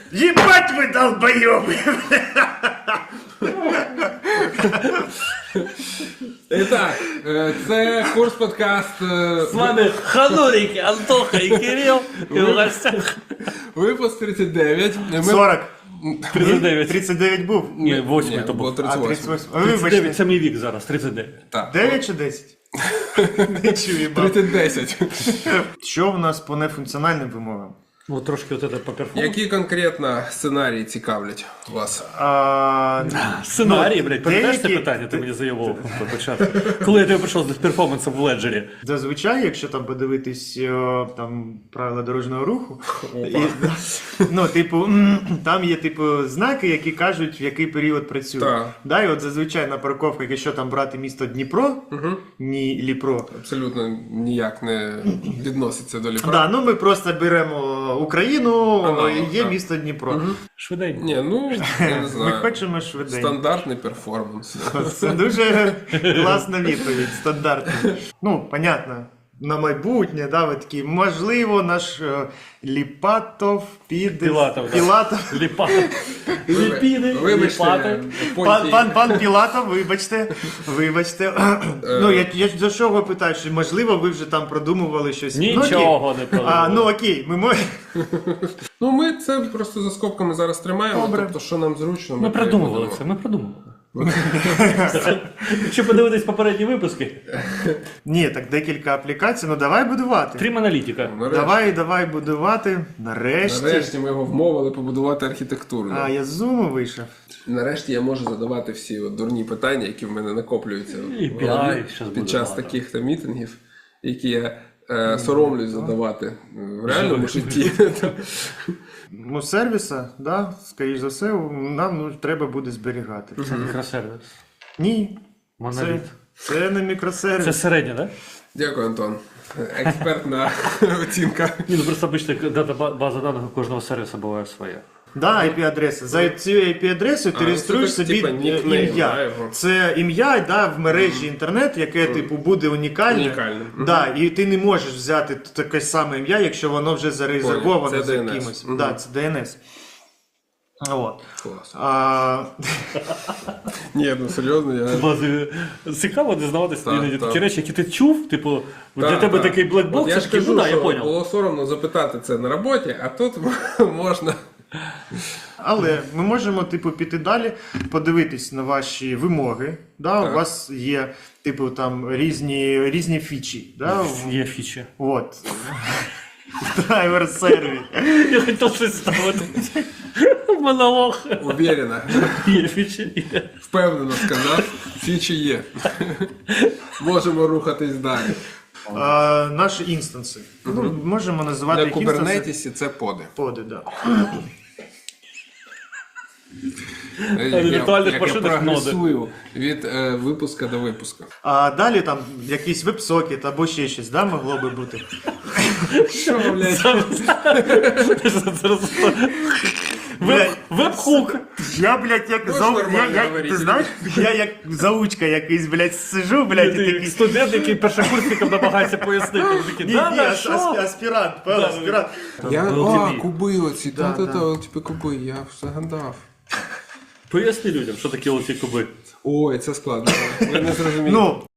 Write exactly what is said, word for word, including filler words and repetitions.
Ебать вы долбоёбы! І так, е, це курс подкаст. е, З вами Ханурики, Антоха і Кирил. І в гостях Випуск тридцять дев'ять. Ми... сорок. тридцять дев'ять. тридцять дев'ять був? Ні, восьмий Ні, то було був. тридцять А, восьмий. тридцять восьмий. тридцять Вибачте. дев'ять це мій вік зараз, тридцять дев'ять. Так. дев'ять чи десять? Не чую, баб. тридцять десять. Що в нас по нефункціональним вимогам? Ну, трошки от це по перформансу. Які конкретно сценарії цікавлять вас? А, Сценарій, блядь, пам'ятаєш це деякі- питання, ти мені заявив по початку. Коли я тебе прийшов з перформансом в Леджері. Зазвичай, якщо там подивитись о, там правила дорожнього руху, і, ну, типу, м, там є типу знаки, які кажуть, в який період працює. Так. Да, і от зазвичай на парковках, якщо там брати місто Дніпро, ні Ліпро. Абсолютно ніяк не відноситься до ліпра. Да, ну ми просто беремо Україну, Ага, і є так. місто Дніпро. Швиденько. Ні, ну, я не Ми знаю. хочемо швиденько. Стандартний перформанс. Це дуже класна відповідь, стандартна. Ну, понятно, на майбутнє, да, ви такі, можливо, наш е, Ліпатов піде... Пілатов, да. Пілатов. Ліпати. Ліпіни, Вибачте, ліпати. Пан, Понтій. пан, пан Пілатов, вибачте, вибачте. Ну, я, я за що ви питаю, що можливо ви вже там продумували щось. Ну, окей. Нічого не А, продумували. ну окей, ми можемо... Ну, ми це просто за скобками зараз тримаємо, Добре. тобто, що нам зручно. Ми те й продумували будемо. це, ми продумували. Якщо подивитись попередні випуски, Ні, так декілька аплікацій, ну давай будувати. Трім аналітика. Нарешті. Давай, давай будувати. Нарешті. Нарешті ми його вмовили побудувати архітектуру. А, я з зуму вийшов. Нарешті я можу задавати всі от дурні питання, які в мене накоплюються І в пі ай голові щас буде під час багато. таких то мітингів, які я е, соромлюсь задавати е, в реальному житті. Ну, сервіса, да, скоріш за все, нам ну, треба буде зберігати. Це мікросервіс. Ні. Моноліт. Це, це не мікросервіс. Це середня, так? Дякую, Антон. Експертна оцінка. Ні, ну просто обично дата база даних у кожного сервісу буває своя. Да, ай пі адреса. За цією ай пі адресою ти А, реєструєш це так, собі типа, е, нікнейм, ім'я. да, його? Це ім'я да, в мережі інтернет, яке типу буде унікальне. Унікальне. Да, і ти не можеш взяти таке саме ім'я, якщо воно вже зарезервовано Це за ді ен ес. кимось. Мгм. Да, це ді ен ес. От. Клас. А, Ні, ну серйозно, я... Базі цікаво дізнаватися Так, іноді так. такі речі, які ти чув, типу, для Так, тебе так. такий От блекбокс, я я ж такий, кажу, ну да, я що поняв. було соромно запитати це на роботі, а тут можна. Але ми можемо типу піти далі, подивитись на ваші вимоги. Да? Так. У вас є типу там різні, різні фічі. Да? Є фічі. От. Драйвер сервіс. Я хотів щось ставити. Монолог. Уверена. Є фічі. Є. Впевнено сказав, фічі є. Можемо рухатись далі. А, наші інстанси. Ну, можемо називати На їх інстанси. кубернетісі це поди. Поди, да. Я, віртуальних як я машинах прогресую від е, випуска до випуска. А далі там якийсь веб-сокет або ще щось, да, могло би бути. Що, блядь? Блядь, Веб-хук. Я, блядь, як Можеш зау... я, нормально я, говорити? ти знаєш, я як заучка якийсь, блядь, сижу, блядь, і Ти такий... студент, який першокурсникам намагається пояснити. Він такий, Ні, да, ні, да, ас- що? ас- аспірант, певно, Да, аспірант. Я, Ел а, Ті Бі. куби оці, Да, та, та, да. та, типу куби, я загадав. Поясни людям, що таке оці куби. Ой, це складно. Ви не зрозумієте. Ну,